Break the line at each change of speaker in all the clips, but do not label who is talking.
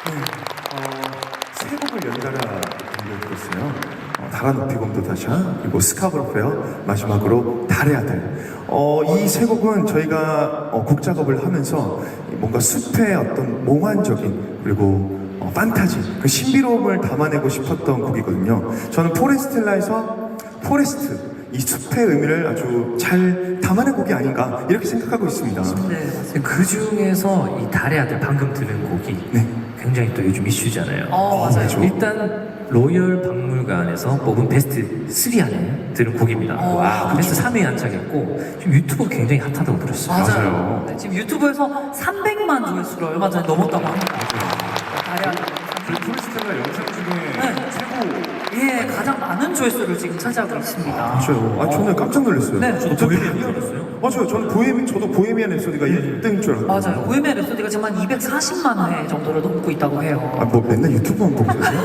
세 곡을 연달아 들려드렸어요. 달아 높이 곰도 다샤, 그리고 스카브로페어, 마지막으로 달의 아들. 이 세 곡은 저희가 곡 작업을 하면서 뭔가 숲의 어떤 몽환적인 그리고 판타지, 그 신비로움을 담아내고 싶었던 곡이거든요. 저는 포레스텔라에서 포레스트, 이 숲의 의미를 아주 잘 담아낸 곡이 아닌가 이렇게 생각하고 있습니다.
네, 그 중에서 이 달의 아들 방금 들은 곡이
네.
굉장히 또 요즘 이슈잖아요.
맞아요.
맞죠.
일단 로열 박물관에서 뽑은 베스트 3 안에 들은 곡입니다.
와,
베스트 3위에 안착했고 지금 유튜브 굉장히 핫하다고 들었어요.
맞아요. 네, 지금 유튜브에서 300만 조회수를 얼마 전에 넘었다고 합니다. 다리아.
포레스텔라 영상 중에
네.
최고.
예, 가장 많은 조회수를 지금 차지하고 있습니다.
맞아요. 저는 깜짝 놀랐어요.
네,
저도 보헤미안 들었어요.
맞아요. 저도 보헤미안 랩소디가 1등인 줄 알았어요.
맞아요. 보헤미안 랩소디가 지금 한 240만 회 정도를 넘고 있다고 해요.
뭐 맨날 유튜브만 보고 있어요?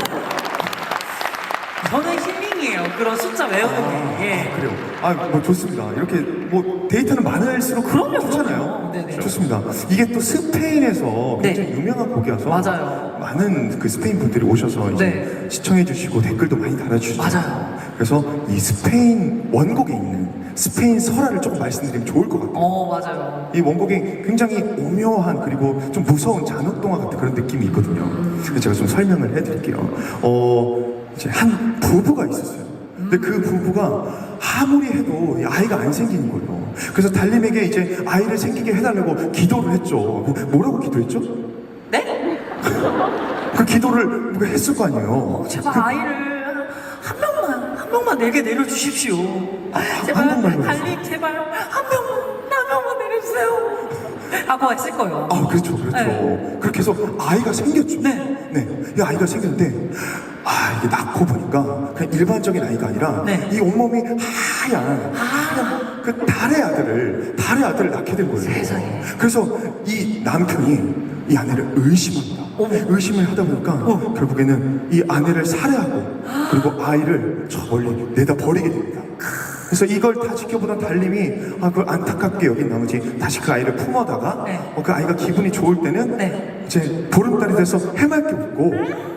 저는 힐링이에요. 그런 숫자 외우는 게. 예.
그래요. 뭐 좋습니다. 이렇게 뭐 데이터는 많을수록
그럼요,
좋잖아요.
그럼요. 네네.
좋습니다. 이게 또 스페인에서
네.
굉장히 유명한 곡이어서
맞아요.
많은 그 스페인 분들이 오셔서 이제
네.
시청해주시고 댓글도 많이 달아주시죠.
맞아요.
그래서 이 스페인 원곡에 있는 스페인 설화를 조금 말씀드리면 좋을 것 같아요.
맞아요.
이 원곡이 굉장히 오묘한 그리고 좀 무서운 잔혹동화 같은 그런 느낌이 있거든요. 그래서 제가 좀 설명을 해드릴게요. 이제 한 부부가 있었어요. 근데 그 부부가 아무리 해도 이 아이가 안 생기는 거예요. 그래서 달님에게 이제 아이를 생기게 해달라고 기도를 했죠. 뭐라고 기도했죠?
네?
그 기도를 누가 했을 거 아니에요.
제발 아이를 한 명만 내게 내려주십시오. 제발
한 명만요?
달님 제발 한 명만 내려주세요. 하고 했을 거예요.
그렇죠.
네.
그렇게 해서 아이가 생겼죠.
네.
이 아이가 생겼는데, 이게 낳고 보니까 그냥 일반적인 아이가 아니라
네.
이 온몸이 하얀 그 달의 아들을 낳게 된 거예요.
세상에.
그래서 이 남편이 이 아내를 의심합니다. 의심을 하다 보니까 결국에는 이 아내를 살해하고 그리고 아이를 저 멀리 내다 버리게 됩니다. 그래서 이걸 다 지켜보던 달님이 그걸 안타깝게 여긴 나머지 다시 그 아이를 품어다가
네.
그 아이가 기분이 좋을 때는
네.
이제 보름달이 돼서 해맑게 웃고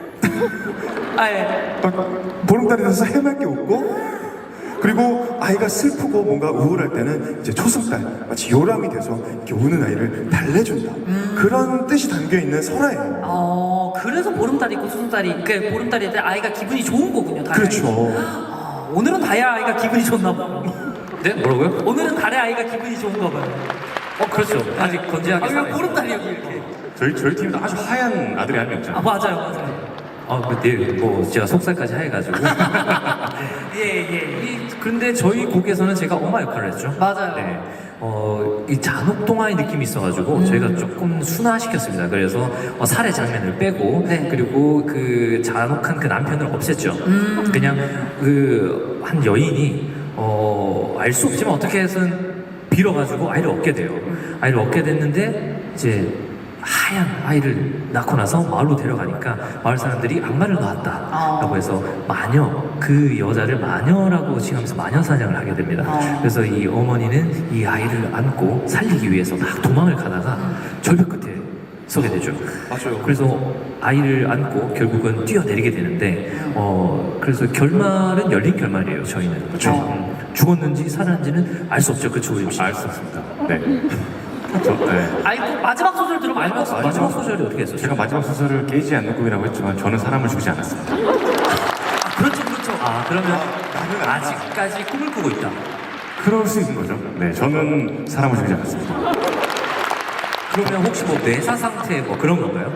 예.
보름달이 돼서 해맑게 웃고 그리고 아이가 슬프고 뭔가 우울할 때는 이제 초승달 마치 요람이 돼서 이렇게 우는 아이를 달래준다 그런 뜻이 담겨있는 설화예요.
그래서 보름달이 있고 수승달이 그 보름달이 때 아이가 기분이 좋은 거군요. 달의
그렇죠.
아이가. 오늘은 달의 아이가 기분이 좋나 봐요.
네? 뭐라고요?
오늘은 달의 아이가 기분이 좋은가 봐요.
그렇죠. 아직 건재하게
왜
살아있어요.
보름달이 여기 이렇게?
저희 팀도 아주 하얀 아들이 한 명 있잖아요.
맞아요.
제가 속살까지 해가지고.
예.
그런데 저희 곡에서는 제가 엄마 역할을 했죠.
맞아요.
네. 이 잔혹동화의 느낌이 있어가지고 저희가 조금 순화시켰습니다. 그래서 살해 장면을 빼고
네.
그리고 그 잔혹한 그 남편을 없앴죠. 그냥 그 한 여인이 알 수 없지만 어떻게 해서는 빌어가지고 아이를 얻게 돼요. 아이를 얻게 됐는데 이제 하얀 아이를 낳고 나서 마을로 데려가니까 마을 사람들이 악마를 낳았다라고 해서 마녀, 그 여자를 마녀라고 칭하면서 마녀 사냥을 하게 됩니다. 그래서 이 어머니는 이 아이를 안고 살리기 위해서 막 도망을 가다가 절벽 끝에 서게 되죠.
맞아요.
그래서 아이를 안고 결국은 뛰어내리게 되는데 그래서 결말은 열린 결말이에요. 저희는 그렇죠. 죽었는지 살았는지는 알 수 없죠. 그렇죠, 우림 씨?
알 수 없습니다. 네. 네.
아이고 마지막 소절 들으면 알것 같아요.
마지막 소절이 어떻게 했었어요?
제가 마지막 소설을 깨지 않는 꿈이라고 했지만 저는 사람을 죽이지 않았습니다.
그렇죠.
그러면 아직까지 꿈을 꾸고 있다.
그럴 수 있는 거죠. 네, 저는 사람을 죽이지 않았습니다.
그러면 혹시 뭐 뇌사 상태 뭐 그런 건가요?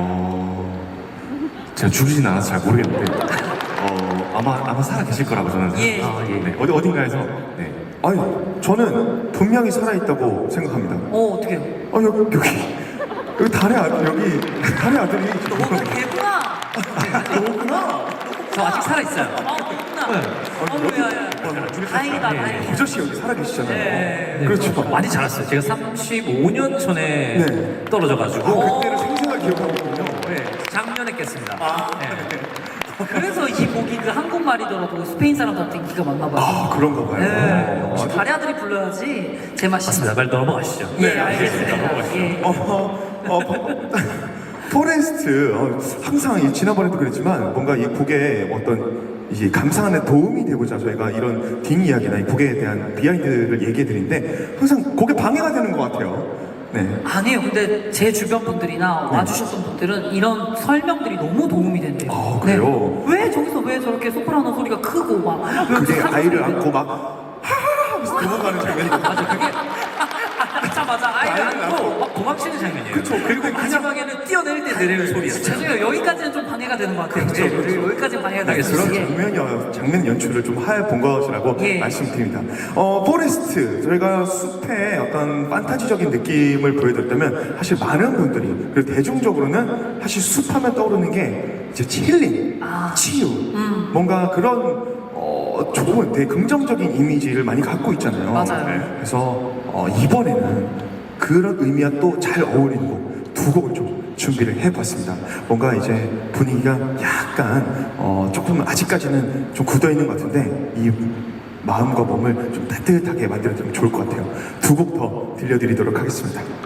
제가 죽이진 않아서 잘 모르겠는데 아마 살아 계실 거라고 저는
예.
생각합니다. 네, 어딘가에서 네.
아니 저는 분명히 살아있다고 생각합니다.
어떻게요?
여기 달의 아들 달의 아들이
오늘 개구나.
너구나.
저 아직 살아있어요.
개구나. 야야. 다행이다. 다행이다.
부저씨 여기 살아계시잖아요.
네.
그렇죠.
많이 자랐어요. 제가 35년 전에
네.
떨어져가지고
그때를 생생하게 기억하고 있군요.
작년에 깼습니다. 네.
그래서 이 곡이 그 한국말이더라도 스페인 사람들한테 인기가 많나 봐요.
그런가 봐요.
네. 역시 달의 아들이 불러야지 제맛이.
맞습니다. 빨리 넘어가시죠.
예, 알겠습니다. 예.
포레스트 항상 지난번에도 그랬지만 뭔가 이 곡에 어떤 이제 감상하는 도움이 되고자 저희가 이런 뒷이야기나 이 곡에 대한 비하인드를 얘기해 드리는데 항상 곡에 방해가 되는 것 같아요. 네.
아니에요. 근데 제 주변 분들이나 와주셨던 분들은 이런 설명들이 너무 도움이 된대요.
아, 그래요?
네. 왜 저기서 왜 저렇게 소프라노 소리가 크고 막
그게
왜
아이를
소리가
안고 막 하하하 하면서 도망가는 장면이
맞아, 그게 맞아. 아이를
아이를
안고
안고.
막 도망치는 장면이에요.
그쵸. 그리고
마지막에는 뛰어내릴 때 내리는 소리였어요.
죄송해요. 여기까지는 좀 방해가 되는 것 같아요.
그쵸, 그쵸.
네, 여기까지는 방해가 되는
그런
것 같아요.
장면 연출을 좀 해본 것이라고
예.
말씀드립니다. 포레스트 저희가 숲의 어떤 판타지적인 느낌을 보여드렸다면 사실 많은 분들이 그리고 대중적으로는 사실 숲하면 떠오르는 게 이제 힐링, 치유, 뭔가 그런 좋은 되게 긍정적인 이미지를 많이 갖고 있잖아요.
맞아요.
네. 그래서 이번에는 그런 의미와 또 잘 어울리는 곡 두 곡을 좀 준비를 해봤습니다. 뭔가 이제 분위기가 약간 조금 아직까지는 좀 굳어 있는 것 같은데 이 마음과 몸을 좀 따뜻하게 만들어주면 좋을 것 같아요. 두 곡 더 들려드리도록 하겠습니다.